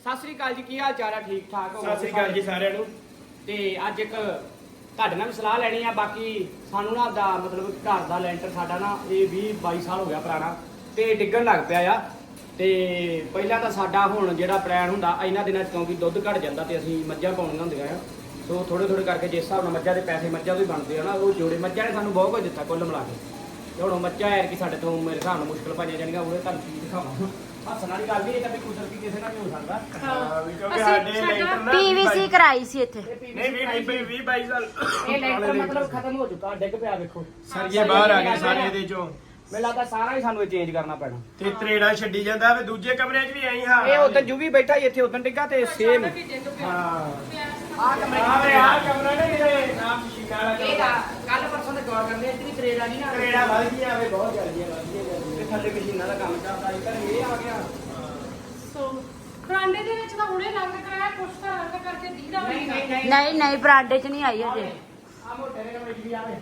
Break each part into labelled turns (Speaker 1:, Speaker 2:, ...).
Speaker 1: ਸਤਿ ਸ੍ਰੀ ਅਕਾਲ ਜੀ, ਕੀ ਹਾਲ ਚਾਲ ਆ? ਠੀਕ ਠਾਕ ਹੋ?
Speaker 2: ਸਤਿ ਸ੍ਰੀ ਅਕਾਲ ਜੀ ਸਾਰਿਆਂ ਨੂੰ।
Speaker 1: ਤੇ ਅੱਜ ਇੱਕ ਤੁਹਾਡੇ ਨਾਲ ਵੀ ਸਲਾਹ ਲੈਣੀ ਆ। ਬਾਕੀ ਸਾਨੂੰ ਨਾ ਦਾ ਮਤਲਬ ਘਰ ਦਾ ਲੈਂਟਰ ਸਾਡਾ ਨਾ ਇਹ 20-22 ਸਾਲ ਹੋ ਗਿਆ ਪੁਰਾਣਾ ਤੇ ਡਿੱਗਣ ਲੱਗ ਪਿਆ ਆ। ਤੇ ਪਹਿਲਾਂ ਤਾਂ ਸਾਡਾ ਹੁਣ ਜਿਹੜਾ ਪਲਾਨ ਹੁੰਦਾ ਇਹਨਾਂ ਦਿਨਾਂ 'ਚ ਕਿਉਂਕਿ ਦੁੱਧ ਘਟ ਜਾਂਦਾ ਤੇ ਅਸੀਂ ਮੱਝਾਂ ਪਾਉਣੀਆਂ ਹੁੰਦੀਆਂ ਆ, ਸੋ ਥੋੜੇ ਥੋੜੇ ਕਰਕੇ ਜਿਸ ਹਿਸਾਬ ਨਾਲ ਮੱਝਾਂ ਦੇ ਪੈਸੇ ਮੱਝਾਂ ਤੋਂ ਹੀ ਬਣਦੇ ਆ ਨਾ, ਉਹ ਜੋੜੇ ਮੱਝਾਂ ਨੇ ਸਾਨੂੰ ਬਹੁਤ ਕੁਝ ਦਿੱਤਾ ਕੁੱਲ ਮਿਲਾ ਕੇ। ਤੇ ਹੁਣ ਮੱਝਾਂ ਐਰ ਕਿ ਸਾਡੇ ਤੋਂ ਮੇਰੇ ਹਿਸਾਬ ਨਾਲ ਮੁਸ਼ਕਲ ਪਾਈਆਂ ਜਾਣਗੀਆਂ, ਉਹਦੇ ਤੁਹਾਨੂੰ ਚੀਜ਼ ਦਿਖਾਵਾਂ। ਹੱਸਣ ਵਾਲੀ ਗੱਲ ਨਹੀਂ, ਇਹ ਤਾਂ ਵੀ ਕੁਦਰਤੀ ਕਿਸੇ ਨਾਲ ਵੀ ਹੋ ਸਕਦਾ।
Speaker 2: ਹਾਂ ਵੀ ਕਿਉਂਕਿ ਸਾਡੇ ਲੈਂਟਰ ਨਾ
Speaker 3: ਪੀਵੀਸੀ ਕਰਾਈ ਸੀ ਇੱਥੇ।
Speaker 2: ਨਹੀਂ 20-22 ਸਾਲ
Speaker 1: ਇਹ ਲੈਂਟਰ ਮਤਲਬ ਖਤਮ ਹੋ ਚੁੱਕਾ, ਡਿੱਗ ਪਿਆ ਵੇਖੋ।
Speaker 2: ਸਰਗੇ ਬਾਹਰ ਆ ਗਏ ਸਾਰੇ ਇਹਦੇ ਚੋਂ।
Speaker 1: ਮੈਨੂੰ ਲੱਗਦਾ ਸਾਰਾ ਹੀ ਸਾਨੂੰ ਇਹ ਚੇਂਜ ਕਰਨਾ ਪੈਣਾ।
Speaker 2: ਤੇ ਤਰੇੜਾ ਛੱਡੀ ਜਾਂਦਾ ਵੇ ਦੂਜੇ ਕਮਰਿਆਂ 'ਚ ਵੀ ਆਈ ਹਾਂ।
Speaker 1: ਇਹ ਉਦੋਂ ਜੂਵੀ ਬੈਠਾ ਸੀ ਇੱਥੇ, ਉਦੋਂ ਡਿੱਗਾ ਤੇ ਸੇਮ
Speaker 2: ਹਾਂ
Speaker 1: ਆਹ ਕਮਰੇ
Speaker 2: ਆਹ ਕਮਰਾ ਨੇ ਜਿਹੜੇ ਨਾਮ ਸ਼ੀਸ਼ਾ ਵਾਲਾ
Speaker 1: ਇਹ ਕੱਲ ਪਰਸੋਂ ਦੇ ਗੌਰ ਕਰਦੇ ਇੱਥੇ ਵੀ ਤਰੇੜਾ ਨਹੀਂ ਨਾ,
Speaker 2: ਤਰੇੜਾ ਵੱਧ ਗਈਆਂ ਵੇ ਬਹੁਤ ਜਲਦੀਆਂ ਵੱਧ ਗਈਆਂ।
Speaker 1: ਤੇ ਥੱਲੇ ਮਸ਼ੀਨਾਂ ਦਾ ਕੰਮ ਚੱਲਦਾ ਸੀ, ਪਰ ਇਹ ਆ ਗਿਆ।
Speaker 4: ਸੋ ਬਰਾਂਡੇ ਦੇ ਵਿੱਚ ਤਾਂ ਹੁਣੇ ਰੰਗ ਕਰਾਇਆ, ਕੁਛ ਤਾਂ ਰੰਗ ਕਰਕੇ ਦੀਦਾ
Speaker 3: ਨਹੀਂ ਨਹੀਂ ਬਰਾਂਡੇ 'ਚ ਨਹੀਂ ਆਈ ਅਜੇ।
Speaker 1: ਆ ਮੋਟੇ ਦੇ ਕਮਰੇ 'ਚ ਵੀ ਆਵੇ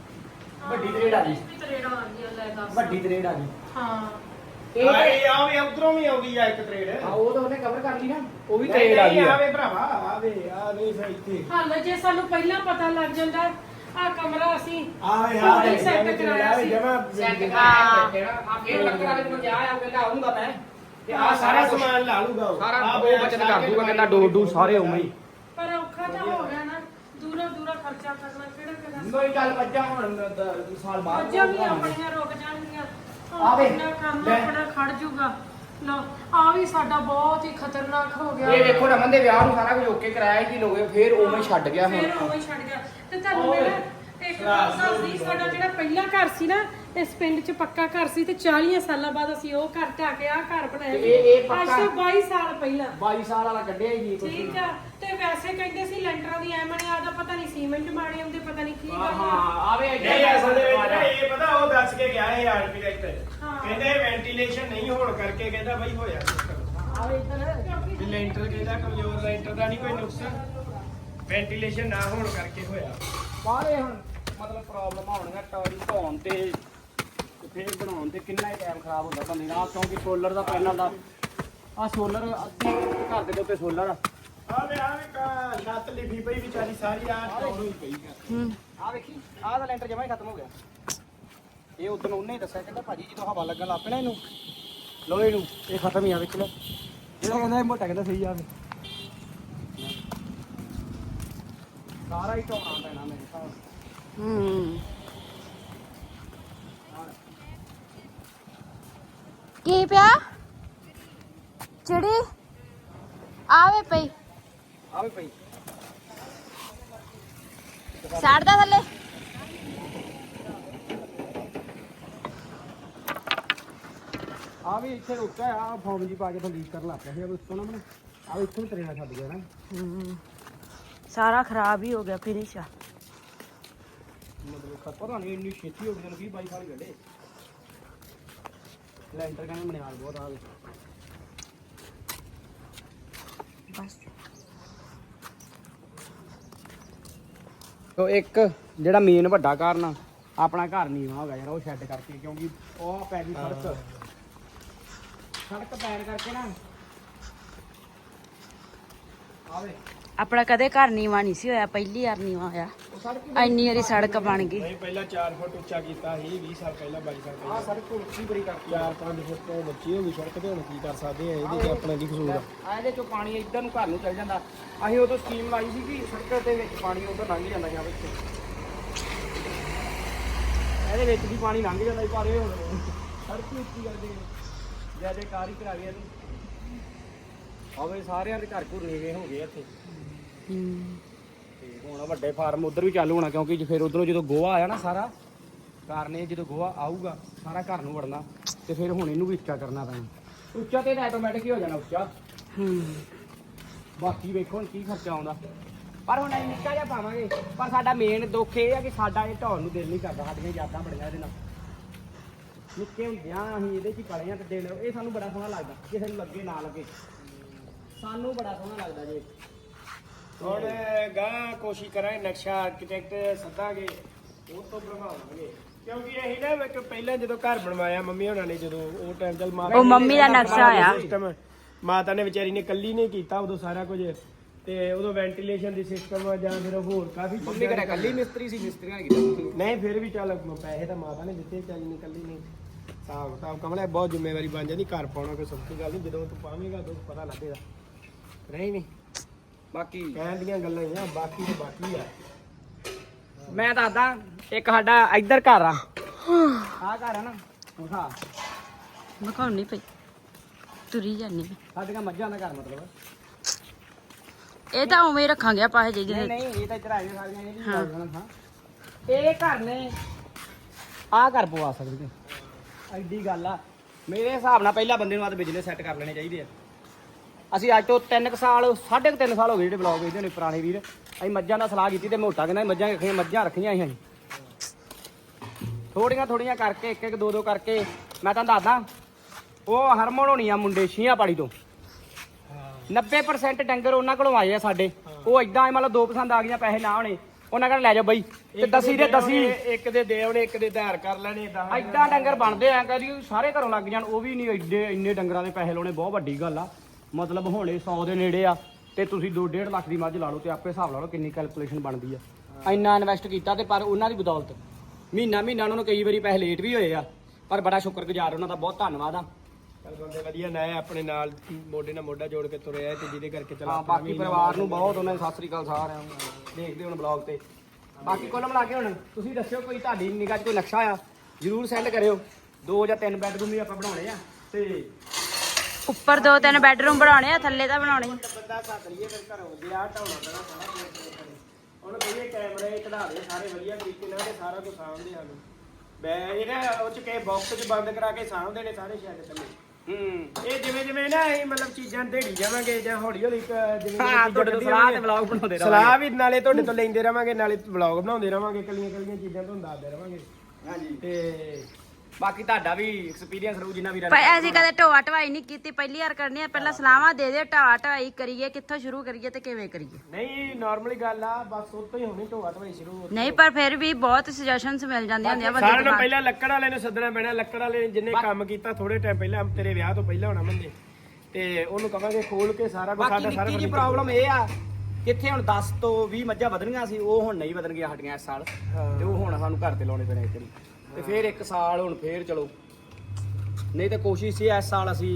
Speaker 1: ਵੱਡੀ ਤਰੇੜ ਆ ਗਈ,
Speaker 4: ਤਰੇੜਾ ਆ ਗਈ ਲੈ ਦੱਸ।
Speaker 1: ਵੱਡੀ ਤਰੇੜ ਆ ਗਈ।
Speaker 4: ਹਾਂ
Speaker 1: ਇਹ
Speaker 2: ਇਹ ਆ ਵੀ ਉਧਰੋਂ ਵੀ ਆਉਂਦੀ ਆ ਇੱਕ ਤਰੇੜ।
Speaker 1: ਹਾਂ ਉਹ ਤਾਂ ਉਹਨੇ ਕਵਰ ਕਰ ਲਈ ਨਾ, ਉਹ ਵੀ ਤਰੇੜ ਆ ਗਈ ਆ।
Speaker 2: ਆਵੇ ਭਰਾਵਾ ਆਵੇ ਆ ਨਹੀਂ ਫਿਰ ਇੱਥੇ
Speaker 4: ਹਾਲ ਜੇ ਸਾਨੂੰ ਪਹਿਲਾਂ ਪਤਾ ਲੱਗ ਜਾਂਦਾ ਆ ਕਮਰਾ ਅਸੀਂ
Speaker 2: ਆਵੇ
Speaker 4: ਹਾਂ ਸੈੱਟ ਕਰਾਇਆ ਸੀ।
Speaker 2: ਜਮਾ
Speaker 1: ਸੈੱਟ ਕਰਾਇਆ ਜਿਹੜਾ ਆ ਫੇਰ ਲੱਕੜ ਵਾਲੇ ਕੋਲ ਜਾ ਆ, ਉਹ ਕਹਿੰਦਾ ਆਉਂਗਾ ਮੈਂ ਤੇ ਆ
Speaker 2: ਸਾਰਾ ਸਮਾਨ ਲਾ ਲੂਗਾ ਉਹ।
Speaker 1: ਸਾਰਾ
Speaker 2: ਆਹ
Speaker 1: ਉਹ ਬਚਤ ਕਰ ਦੂਗਾ, ਕਹਿੰਦਾ ਡੋਰ ਸਾਰੇ ਉਵੇਂ ਹੀ।
Speaker 4: ਪਰ ਔਖਾ ਤਾਂ ਹੋ ਗਿਆ ਨਾ, ਦੂਰੋਂ ਦੂਰੋਂ ਖਰਚਾ ਕਰਨਾ ਕਿਹੜਾ ਕਿਹੜਾ।
Speaker 1: ਕੋਈ ਗੱਲ ਮੱਝਾਂ ਹੁਣ ਸਾਲ ਬਾਅਦ
Speaker 4: ਮੱਝਾਂ ਵੀ ਆਪਣੀਆਂ ਰੁਕ ਜਾਣਗੀਆਂ,
Speaker 1: ਆਵੇ,
Speaker 4: ਆਪਣਾ ਕੰਮ
Speaker 1: ਲੈ।
Speaker 4: ਆਪਣਾ ਖੜ ਜੂਗਾ। ਲੋ ਆ ਵੀ ਸਾਡਾ ਬਹੁਤ ਹੀ ਖਤਰਨਾਕ ਹੋ ਗਿਆ।
Speaker 1: ਇਹ ਵੇਖੋ ਰਮਨ ਦੇ ਵਿਆਹ ਨੂੰ ਸਾਰਾ ਕੁਝ ਓਕੇ ਕਰਾਇਆ ਕਿ ਲੋਗੇ ਫੇਰ ਉਵੇਂ ਛੱਡ ਗਿਆ
Speaker 4: ਫਿਰ
Speaker 1: ਹੁਣ।
Speaker 4: ਉਵੇਂ ਛੱਡ ਗਿਆ। ਤੇ ਤੁਹਾਨੂੰ ਮੈਂ ਇੱਕ ਗੱਲ ਦੱਸਦੀ, ਸਾਡਾ ਜਿਹੜਾ ਪਹਿਲਾ ਘਰ ਸੀ ਨਾ ਇਸ ਪਿੰਡ 'ਚ ਪੱਕਾ ਘਰ ਸੀ ਤੇ 40 ਸਾਲਾਂ ਬਾਅਦ ਅਸੀਂ ਉਹ ਘਰ ਢਾਹ ਕੇ ਆਹ ਘਰ ਬਣਾਇਆ।
Speaker 1: ਤੇ ਇਹ ਪੱਕਾ-
Speaker 4: ਅੱਜ ਤੋਂ 22 ਸਾਲ ਪਹਿਲਾਂ
Speaker 1: 22 ਸਾਲ ਵਾਲਾ ਕੱਢਿਆ ਹੀ ਨਹੀਂ ਕੁਝ।
Speaker 4: ਠੀਕ ਆ। ਤੇ ਵੈਸੇ ਕਹਿੰਦੇ ਸੀ ਲੈਂਟਰਾਂ ਦੀ ਐਮਣ ਆਦਾ, ਪਤਾ ਨਹੀਂ ਸੀਮੈਂਟ ਮਾੜੇ ਹੁੰਦੇ, ਪਤਾ ਨਹੀਂ ਕੀ ਗੱਲ
Speaker 1: ਹਾਂ
Speaker 4: ਆ।
Speaker 1: ਆਵੇ
Speaker 2: ਨਹੀਂ ਅਸਲ ਦੇ ਵਿੱਚ ਨਾ ਇਹ ਪਤਾ ਉਹ ਦੱਸ ਕੇ ਗਿਆ ਇਹ ਆਰਕੀਟੈਕਟ।
Speaker 4: ਹਾਂ।
Speaker 2: ਕਹਿੰਦੇ ਵੈਂਟੀਲੇਸ਼ਨ ਨਹੀਂ ਹੋਣ ਕਰਕੇ ਕਹਿੰਦਾ ਬਾਈ ਹੋਇਆ ਸਿਸਟਮ।
Speaker 1: ਆਵੇ ਇੱਧਰ
Speaker 2: ਵੀ ਲੈਂਟਰ ਕਹਿੰਦਾ ਕਮਜ਼ੋਰ ਲੈਂਟਰ ਦਾ ਨਹੀਂ ਕੋਈ ਨੁਕਸ, ਵੈਂਟੀਲੇਸ਼ਨ ਨਾ ਹੋਣ ਕਰਕੇ ਹੋਇਆ।
Speaker 1: ਬਾਹਰੇ ਹੁਣ ਮਤਲਬ ਪ੍ਰੋਬਲਮ ਆਉਣੀਆਂ ਟੌਰੀ ਧੋਣ ਤੇ ਫੇਰ ਬਣਾਉਣ ਤੇ ਕਿੰਨਾ ਹੀ ਟਾਈਮ ਖਰਾਬ ਹੁੰਦਾ ਬੰਦੇ ਨਾਲ, ਕਿਉਂਕਿ ਸੋਲਰ ਦਾ ਪੈਨਲ ਦਾ ਆ ਸੋਲਰ ਅੱਧੇ ਘਰ ਦੇ ਉੱਤੇ ਸੋਲਰ ਆ।
Speaker 2: ਆਵੇ ਛੱਤ ਲਿਫੀ ਪਈ ਵਿਚਾਰੀ ਸਾਰੀ ਆ ਟੌਰ ਹੋਈ ਪਈ ਆ।
Speaker 1: ਆ ਵੇਖੀ ਆਹ ਦਾ ਲੈਂਟਰ ਜਮਾ ਹੀ ਖਤਮ ਹੋ ਗਿਆ। ਇਹ ਉਦੋਂ ਉਹਨੇ ਹੀ ਦੱਸਿਆ, ਕਹਿੰਦਾ ਭਾਜੀ ਜਦੋਂ ਹਵਾ ਲੱਗਣ ਲੱਗ ਪੈਣਾ ਇਹਨੂੰ ਲੋਹੇ ਨੂੰ ਇਹ ਖਤਮ ਹੀ ਆ। ਵੇਖ ਲਓ ਜਿਹੜਾ ਕਹਿੰਦਾ ਇਹ ਮੋਟਾ ਕਹਿੰਦਾ ਸਹੀ ਆਵੇ ਸਾਰਾ ਹੀ ਢੋਣਾ ਪੈਣਾ ਮੇਰੇ ਹਿਸਾਬ ਨਾਲ।
Speaker 3: ਕੀ ਪਿਆ ਚਿੜੀ ਆਵੇ ਪਈ
Speaker 1: ਆਵੇ ਪਈ
Speaker 3: ਸਾੜਦਾ ਥੱਲੇ।
Speaker 1: ਆ ਵੀ ਇੱਥੇ ਰੁਕਿਆ ਆ ਫੋਮ ਜੀ ਪਾ ਕੇ ਤਾਂ ਲੀਕ ਕਰਨ ਲੱਗ ਪਿਆ ਸੀ ਉਸ ਤੋਂ ਨਾ ਮੈਨੂੰ ਆ ਇੱਥੋਂ ਹੀ ਤਰੇੜਾ ਛੱਡ ਗਿਆ ਨਾ।
Speaker 3: ਸਾਰਾ ਖਰਾਬ ਹੀ ਹੋ ਗਿਆ ਫਿਨਿਸ਼ ਆ।
Speaker 1: ਮਤਲਬ ਪਤਾ ਨਹੀਂ ਇੰਨੀ ਛੇਤੀ ਹੋ ਗਈ, 20-22 ਸਾਲ ਗੱਡੇ ਲੈਂਟਰ ਕਹਿੰਦੇ ਮਨਿਆਲ ਬਹੁਤ ਆ ਗਏ।
Speaker 3: ਬਸ
Speaker 1: ਤੋ ਇੱਕ ਜਿਹੜਾ ਮੇਨ ਵੱਡਾ ਕਾਰਨ ਆਪਣਾ ਘਰ ਨੀਵਾਂ ਹੋ ਗਿਆ ਯਾਰ, ਉਹ ਸ਼ੈੱਡ ਕਰਕੇ, ਕਿਉਂਕਿ ਉਹ ਪੈ ਗਈ ਸੜਕ ਪੈਣ ਕਰਕੇ ਨਾ। ਆਵੇ
Speaker 3: ਆਪਣਾ ਕਦੇ ਘਰ ਨੀਵਾਂ ਨਹੀਂ ਸੀ ਹੋਇਆ, ਪਹਿਲੀ ਵਾਰ ਨੀਵਾਂ ਹੋਇਆ।
Speaker 1: ਉਹ ਸੜਕ
Speaker 3: ਇੰਨੀ ਵਾਰੀ ਸੜਕ ਬਣ ਗਈ।
Speaker 2: ਨਹੀਂ ਪਹਿਲਾਂ 4 ਫੁੱਟ ਉੱਚਾ ਕੀਤਾ ਸੀ 20 ਸਾਲ ਪਹਿਲਾਂ 22 ਸਾਲ
Speaker 1: ਆ
Speaker 2: ਪਹਿਲਾਂ।
Speaker 1: ਸੜਕ ਉੱਚੀ ਬੜੀ ਕਰਤੀ
Speaker 2: 4-5 ਫੁੱਟ ਤੋਂ ਬੱਚੀ ਹੋ ਗਈ ਸੜਕ ਤੇ, ਹੁਣ ਕੀ ਕਰ ਸਕਦੇ ਆ ਇਹਦੇ 'ਚ ਆਪਣਾ ਕੀ ਕਸੂਰ ਆ।
Speaker 1: ਆ ਇਹਦੇ ਚੋਂ ਪਾਣੀ ਇੱਧਰ ਨੂੰ ਘਰ ਨੂੰ ਚੱਲ ਜਾਂਦਾ। ਅਸੀਂ ਉਦੋਂ ਸਕੀਮ ਲਾਈ ਸੀ ਕਿ ਸੜਕ ਦੇ ਵਿੱਚ ਪਾਣੀ ਉਧਰ ਲੰਘ ਜਾਂਦਾ ਜਾਂ ਵਿੱਚ ਇਹਦੇ ਵਿੱਚ ਵੀ ਪਾਣੀ ਲੰਘ ਜਾਂਦਾ ਸੀ, ਪਰ ਇਹ ਹੁਣ ਸੜਕ ਹੀ ਉੱਚੀ ਕਰਦੇ ਜਿਆਦੇ ਕਾਰ ਹੀ ਕਰਾ ਗਿਆ ਇਹਨੂੰ। ਆਵੇ ਸਾਰਿਆਂ ਦੇ ਘਰ ਘੁਰ ਨੀਵੇਂ ਹੋ ਗਏ ਇੱਥੇ। ਤੇ ਹੁਣ ਵੱਡੇ ਫਾਰਮ ਉਧਰ ਵੀ ਚਾਲੂ ਹੋਣਾ, ਕਿਉਂਕਿ ਫਿਰ ਉਧਰੋਂ ਜਦੋਂ ਗੋਹਾ ਆਇਆ ਨਾ ਸਾਰਾ ਕਾਰਨ ਇਹ ਜਦੋਂ ਗੋਹਾ ਆਊਗਾ ਸਾਰਾ ਘਰ ਨੂੰ ਵੜਨਾ, ਤੇ ਫਿਰ ਹੁਣ ਇਹਨੂੰ ਵੀ ਉੱਚਾ ਕਰਨਾ ਪੈਣਾ। ਉੱਚਾ ਤੇ ਆਟੋਮੈਟਿਕ ਹੀ ਹੋ ਜਾਣਾ ਉੱਚਾ। ਬਾਕੀ ਵੇਖੋ ਹੁਣ ਕੀ ਖਰਚਾ ਆਉਂਦਾ, ਪਰ ਹੁਣ ਅਸੀਂ ਨਿੱਕਾ ਜਿਹਾ ਪਾਵਾਂਗੇ। ਪਰ ਸਾਡਾ ਮੇਨ ਦੁੱਖ ਇਹ ਆ ਕਿ ਸਾਡਾ ਇਹ ਢਾਉਣ ਨੂੰ ਦਿਲ ਨਹੀਂ ਕਰਦਾ, ਸਾਡੀਆਂ ਯਾਦਾਂ ਬੜੀਆਂ ਇਹਦੇ ਨਾਲ। ਨਿੱਕੇ ਹੁੰਦਿਆਂ ਅਸੀਂ ਇਹਦੇ 'ਚ ਹੀ ਪਲੇ ਆ ਤੇ ਦਿਲ ਇਹ ਸਾਨੂੰ ਬੜਾ ਸੋਹਣਾ ਲੱਗਦਾ, ਕਿਸੇ ਨੂੰ ਲੱਗੇ ਨਾ ਲੱਗੇ ਸਾਨੂੰ ਬੜਾ ਸੋਹਣਾ ਲੱਗਦਾ ਜੀ।
Speaker 2: ਹੁਣ ਗਾਂ ਕੋਸ਼ਿਸ਼ ਕਰਾਂਗੇ ਨਕਸ਼ਾ ਆਰਕੀਟੈਕਟ ਸੱਦਾਂਗੇ, ਉਹ ਤੋਂ ਬਣਵਾਵਾਂਗੇ। ਕਿਉਂਕਿ ਅਸੀਂ ਨਾ ਪਹਿਲਾਂ ਜਦੋਂ ਘਰ ਬਣਵਾਇਆ ਮੰਮੀ ਹੋਣਾ ਨੇ, ਜਦੋਂ ਉਹ ਟਾਈਮ ਚੱਲ
Speaker 3: ਉਹ ਮੰਮੀ ਦਾ ਨਕਸ਼ਾ ਆਇਆ।
Speaker 2: ਸਿਸਟਮ ਮਾਤਾ ਨੇ ਵਿਚਾਰੀ ਨੇ ਕੱਲੀ ਨੇ ਕੀਤਾ ਉਦੋਂ ਸਾਰਾ ਕੁਝ ਤੇ ਉਦੋਂ ਵੈਂਟੀਲੇਸ਼ਨ ਦੀ ਸਿਸਟਮ ਜਾਂ ਫਿਰ ਹੋਰ ਕਾਫੀ
Speaker 1: ਮੰਮੀ ਘਰੇ ਕੱਲੀ ਮਿਸਤਰੀ ਸੀ, ਮਿਸਤਰੀਆਂ ਨੇ ਕੀਤਾ।
Speaker 2: ਨਹੀਂ ਫਿਰ ਵੀ ਚੱਲ ਪੈਸੇ ਤਾਂ ਮਾਤਾ ਨੇ ਦਿੱਤੇ, ਚੱਲ ਨਹੀਂ ਕੱਲੀ ਨਹੀਂ ਹਿਸਾਬ ਕਿਤਾਬ ਕਮਲਾ ਬਹੁਤ ਜ਼ਿੰਮੇਵਾਰੀ ਬਣ ਜਾਂਦੀ, ਘਰ ਪਾਉਣਾ ਕੋਈ ਸੌਖੀ ਗੱਲ ਨਹੀਂ, ਜਦੋਂ ਤੂੰ ਪਾਵੇਂਗਾ ਉਦੋਂ ਪਤਾ ਲੱਗੇਗਾ। ਨਹੀਂ
Speaker 1: ਬਾਕੀ
Speaker 2: ਕਹਿਣ ਦੀਆਂ ਗੱਲਾਂ ਹੀ ਆ, ਬਾਕੀ ਤੇ ਬਾਕੀ ਆ।
Speaker 1: ਮੈਂ ਦੱਸਦਾ, ਇੱਕ ਸਾਡਾ ਇੱਧਰ ਘਰ ਆ, ਆਹ ਘਰ ਆ ਨਾ, ਹਾਂ
Speaker 3: ਮਖਾਉਣੀ ਪਈ ਤੁਰੀ ਜਾਂਦੀ ਮੈਂ।
Speaker 1: ਸਾਡੀਆਂ ਮੱਝਾਂ ਦਾ ਘਰ ਮਤਲਬ।
Speaker 3: ਇਹ ਤਾਂ ਉਵੇਂ ਹੀ ਰੱਖਾਂਗੇ ਆਪਾਂ ਇਹ ਜਿਹੇ
Speaker 1: ਨਹੀਂ ਇਹ ਤਾਂ ਇੱਧਰ ਆਏ ਸਾਰੀਆਂ ਇਹ ਵੀ ਹਾਂ। ਇਹ ਘਰ ਨੇ ਆਹ ਘਰ ਪਵਾ ਸਕਦੇ ਨੇ, ਐਡੀ ਗੱਲ ਆ। ਮੇਰੇ ਹਿਸਾਬ ਨਾਲ ਪਹਿਲਾਂ ਬੰਦੇ ਨੂੰ ਆਹ ਬਿਜ਼ਨਸ ਸੈੱਟ ਕਰ ਲੈਣੇ ਚਾਹੀਦੇ ਆ। ਅਸੀਂ ਅੱਜ ਤੋਂ 3 ਸਾਲ 3.5 ਸਾਲ ਹੋ ਗਏ ਜਿਹੜੇ ਬਲੌਗ ਵੇਚਦੇ ਨੇ ਪੁਰਾਣੇ ਵੀਰ, ਅਸੀਂ ਮੱਝਾਂ ਦਾ ਸਲਾਹ ਕੀਤੀ ਤੇ ਮੋਟਾ ਕਹਿੰਦਾ ਮੱਝਾਂ ਰੱਖੀਆਂ ਅਸੀਂ ਥੋੜੀਆਂ ਕਰਕੇ ਇੱਕ ਦੋ ਦੋ ਕਰਕੇ। ਮੈਂ ਤੁਹਾਨੂੰ ਦੱਸਦਾ, ਉਹ ਹਰਮਨ ਹੋਣੀ ਆ ਮੁੰਡੇ ਛੀਆਂ ਪਾੜੀ ਤੋਂ 90% ਡੰਗਰ ਉਹਨਾਂ ਕੋਲੋਂ ਆਏ ਆ ਸਾਡੇ। ਉਹ ਇਦਾਂ ਮਤਲਬ 2% ਆ ਗਈਆਂ, ਪੈਸੇ ਨਾ ਹੋਣੇ ਉਹਨਾਂ ਕਹਿੰਦੇ ਲੈ ਜਾ ਬਈ ਤੇ ਦਸੀ
Speaker 2: ਇੱਕ ਦੇ ਦੇਵਣੇ ਇੱਕ ਦੇ ਧਾਰ ਕਰ ਲੈਣੇ
Speaker 1: ਏਦਾਂ ਡੰਗਰ ਬਣਦੇ ਆ। ਕਦੀ ਸਾਰੇ ਘਰੋਂ ਲੱਗ ਜਾਣ, ਉਹ ਵੀ ਨਹੀਂ ਏਡੇ ਇੰਨੇ ਡੰਗਰਾਂ ਦੇ ਪੈਸੇ ਲਾਉਣੇ ਬਹੁਤ ਵੱਡੀ ਗੱਲ ਆ। ਮਤਲਬ ਹੋਣੇ 100 ਦੇ ਨੇੜੇ ਆ ਤੇ ਤੁਸੀਂ 2.5 ਲੱਖ ਦੀ ਮੱਝ ਲਾ ਲਓ ਤੇ ਆਪੇ ਹਿਸਾਬ ਲਾ ਲਓ ਕਿੰਨੀ ਕੈਲਕੂਲੇਸ਼ਨ ਬਣਦੀ ਆ। ਇੰਨਾ ਇਨਵੈਸਟ ਕੀਤਾ ਤੇ ਪਰ ਉਹਨਾਂ ਦੀ ਬਦੌਲਤ ਮਹੀਨਾ ਉਹਨਾਂ ਨੂੰ ਕਈ ਵਾਰੀ ਪੈਸੇ ਲੇਟ ਵੀ ਹੋਏ ਆ, ਪਰ ਬੜਾ ਸ਼ੁਕਰਗੁਜ਼ਾਰ ਉਹਨਾਂ ਦਾ, ਬਹੁਤ ਧੰਨਵਾਦ ਆ।
Speaker 2: ਬੰਦੇ ਵਧੀਆ ਨਾ ਆਪਣੇ ਨਾਲ ਮੋਢੇ ਨਾਲ ਮੋਢਾ ਜੋੜ ਕੇ ਤੁਰੇ ਆ ਤੇ ਜਿਹਦੇ ਕਰਕੇ ਚਲਾ
Speaker 1: ਬਾਕੀ ਪਰਿਵਾਰ ਨੂੰ ਬਹੁਤ ਉਹਨਾਂ ਨੇ ਸਤਿ ਸ੍ਰੀ ਅਕਾਲ ਸਾਰਿਆਂ ਨੂੰ ਦੇਖਦੇ ਹੁਣ ਬਲੌਗ ਤੇ। ਬਾਕੀ ਕੁੱਲ ਮਿਲਾ ਕੇ ਹੁਣ ਤੁਸੀਂ ਦੱਸਿਓ ਕੋਈ ਤੁਹਾਡੀ ਨਿਗਾਹ 'ਚ ਕੋਈ ਨਕਸ਼ਾ ਆ ਜਰੂਰ ਸੈਂਡ ਕਰਿਓ। 2 ਜਾਂ 3 ਬੈਡਰੂਮ ਵੀ ਆਪਾਂ ਬਣਾਉਣੇ ਆ ਤੇ
Speaker 3: ਉੱਪਰ 2-3 ਬੈਡਰੂਮ ਬਣਾਉਣੇ ਆ, ਥੱਲੇ ਤਾਂ ਬਣਾਉਣੇ।
Speaker 2: ਬੰਦਾ ਸੱਦ ਲਈਏ ਫਿਰ ਘਰੋਂ ਵਿਆਹ ਢਾਉਣਾ ਪੈਣਾ ਸਾਰਾ। ਹੁਣ ਕਹੀਏ ਕੈਮਰੇ ਕਢਾ ਦੇ ਸਾਰੇ ਵਧੀਆ ਤਰੀਕੇ ਨਾਲ ਤੇ ਸਾਰਾ ਕੁਝ ਸਾਂਭਦੇ ਹਨ। ਇਹਨਾਂ ਉਹ ਚ ਕੇ ਬਾਕਸ ਚ ਬੰਦ ਕਰਾ ਕੇ ਸਾਂਭਦੇ ਨੇ ਸਾਰੇ ਸ਼ੈੱਡ ਥੱਲੇ। ਇਹ ਜਿਵੇਂ ਨਾ ਇਹ ਮਤਲਬ ਚੀਜ਼ਾਂ ਢੇੜੀ ਜਾਵਾਂਗੇ ਜਾਂ ਹੌਲੀ ਜਿਵੇਂ
Speaker 1: ਤੁਹਾਡੇ ਤੋਂ ਸਲਾਹ ਤੇ ਵਲੌਗ ਬਣਾਉਂਦੇ ਰਹਾਂਗੇ।
Speaker 2: ਸਲਾਹ ਵੀ ਨਾਲੇ ਤੁਹਾਡੇ ਤੋਂ ਲੈਂਦੇ ਰਵਾਂਗੇ, ਨਾਲੇ ਵਲੌਗ ਬਣਾਉਂਦੇ ਰਵਾਂਗੇ, ਕੱਲੀਆਂ ਚੀਜ਼ਾਂ ਤੁਹਾਨੂੰ ਦੱਸਦੇ ਰਵਾਂਗੇ।
Speaker 1: ਹਾਂਜੀ
Speaker 2: ਤੇ
Speaker 1: ਬਾਕੀ ਤੁਹਾਡਾ ਵੀ ਐਕਸਪੀਰੀਅੰਸ ਰਹੂ ਜਿੰਨਾ ਵੀ
Speaker 3: ਪਰ ਅਸੀਂ ਕਦੇ ਢੋਆ ਢਵਾਈ ਨਹੀਂ ਕੀਤੀ, ਪਹਿਲੀ ਵਾਰ ਕਰਨੀ ਆ। ਪਹਿਲਾਂ ਸਲਾਹਾਂ ਦੇ ਦੇ ਢੋਆ ਢਵਾਈ ਕਰੀਏ, ਕਿੱਥੋਂ ਸ਼ੁਰੂ ਕਰੀਏ ਤੇ ਕਿਵੇਂ ਕਰੀਏ।
Speaker 2: ਨਹੀਂ ਨਾਰਮਲੀ ਗੱਲ ਆ, ਬਸ ਉੱਥੋਂ ਹੀ ਹੋਣੀ ਢੋਆ ਢਵਾਈ ਸ਼ੁਰੂ।
Speaker 3: ਨਹੀਂ ਪਰ ਫਿਰ ਵੀ ਬਹੁਤ ਸੁਜੈਸ਼ਨਸ ਮਿਲ ਜਾਂਦੀਆਂ ਹੁੰਦੀਆਂ ਬੰਦੇ
Speaker 2: ਸਾਰਿਆਂ ਨੂੰ
Speaker 3: ਨੂੰ।
Speaker 2: ਪਹਿਲਾਂ ਲੱਕੜ ਵਾਲੇ ਨੂੰ ਸੱਦਣਾ ਪੈਣਾ, ਲੱਕੜ ਵਾਲੇ ਨੇ ਜਿਹਨੇ ਕੰਮ ਕੀਤਾ ਥੋੜੇ ਟਾਈਮ ਪਹਿਲਾਂ, ਤੇਰੇ ਵਿਆਹ ਤੋਂ ਪਹਿਲਾਂ ਹੋਣਾ ਮੰਦੇ, ਤੇ ਉਹਨੂੰ ਕਹਾਂਗੇ ਖੋਲ ਕੇ ਸਾਰਾ ਕੁਝ
Speaker 1: ਬਾਕੀ
Speaker 2: ਸਾਡਾ ਸਾਰਾ
Speaker 1: ਨਿੱਕੀ ਜੀ ਪ੍ਰੋਬਲਮ ਇਹ ਆ, ਕਿੱਥੇ ਹੁਣ 10 ਤੋਂ 20 ਮੱਝਾਂ ਵਧਣੀਆਂ ਸੀ, ਉਹ ਹੁਣ ਨਹੀਂ ਵਧਣਗੀਆਂ ਸਾਡੀਆਂ ਇਸ ਸਾਲ। ਤੇ ਉਹ ਹੁਣ ਸਾਨੂੰ ਘਰ ਤੇ ਲਾਉਣੇ ਪੈਣੇ ਇੱਕ ਵਾਰੀ, ਤੇ ਫਿਰ ਇੱਕ ਸਾਲ ਹੁਣ ਫੇਰ ਚਲੋ। ਨਹੀਂ ਤੇ ਕੋਸ਼ਿਸ਼ ਸੀ ਇਸ ਸਾਲ ਅਸੀਂ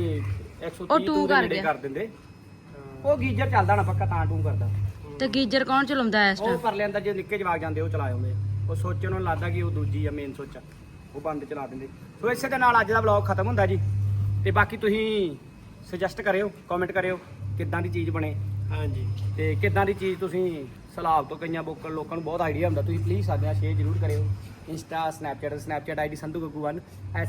Speaker 1: 130 ਦੇ ਨੇੜੇ ਕਰ ਦਿੰਦੇ। ਉਹ ਗੀਜ਼ਰ ਚੱਲਦਾ ਨਾ ਪੱਕਾ, ਤਾਂ ਟੂ ਕਰਦਾ।
Speaker 3: ਤੇ ਗੀਜ਼ਰ ਕੌਣ ਚਲਾਉਂਦਾ ਇਸ
Speaker 1: ਉਹ
Speaker 3: ਟਾਈਮ?
Speaker 1: ਕਰ ਲੈਂਦਾ, ਜੇ ਨਿੱਕੇ ਜਵਾਕ ਜਾਂਦੇ ਉਹ ਚਲਾ ਆਉਂਦੇ। ਉਹ ਸੋਚ ਉਹਨਾਂ ਨੂੰ ਲੱਗਦਾ ਕਿ ਉਹ ਦੂਜੀ ਆ ਮੇਨ ਸੋਚ ਆ, ਉਹ ਬੰਦ ਚਲਾ ਦਿੰਦੇ। ਸੋ ਇਸੇ ਦੇ ਨਾਲ ਅੱਜ ਦਾ ਵਲੌਗ ਖਤਮ ਹੁੰਦਾ ਜੀ। ਤੇ ਬਾਕੀ ਤੁਸੀਂ ਸੁਜੈਸਟ ਕਰਿਓ, ਕਮੈਂਟ ਕਰਿਓ ਕਿੱਦਾਂ ਦੀ ਚੀਜ਼ ਬਣੇ।
Speaker 2: ਹਾਂਜੀ
Speaker 1: ਤੇ ਕਿੱਦਾਂ ਦੀ ਚੀਜ਼ ਤੁਸੀਂ ਸਲਾਬ ਤੋਂ ਕਈਆਂ ਲੋਕਾਂ ਨੂੰ ਬਹੁਤ ਆਈਡੀਆ ਹੁੰਦਾ, ਤੁਸੀਂ ਪਲੀਜ਼ ਸਾਡੇ ਨਾਲ ਸ਼ੇਅਰ ਜ਼ਰੂਰ ਕਰਿਓ। Insta Snapchat ID Sandhu Gaggu 1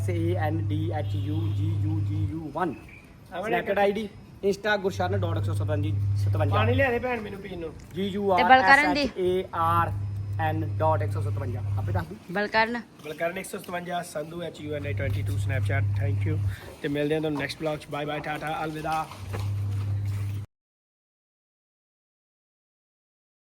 Speaker 1: SANDHUGGU1 Snapchat ID. Insta gursharan.157
Speaker 2: ਪਾਣੀ ਲਿਆ ਦੇ ਭੈਣ ਮੈਨੂੰ ਪੀਣ ਨੂੰ।
Speaker 3: ਤੇ ਬਲਕਰਨ ਦੀ?
Speaker 1: GURSHARN.157 ਆਪੇ ਦੱਸ ਦੂੰ।
Speaker 3: Balkaran
Speaker 2: Balkaran 157 Sandhu HUNA 22 Snapchat. Thank you ਤੇ ਮਿਲਦੇ ਹਾਂ ਤੁਹਾਨੂੰ ਨੈਕਸਟ ਵਲੌਗ 'ਚ। ਬਾਏ ਬਾਏ, ਟਾਟਾ, ਅਲਵਿਦਾ।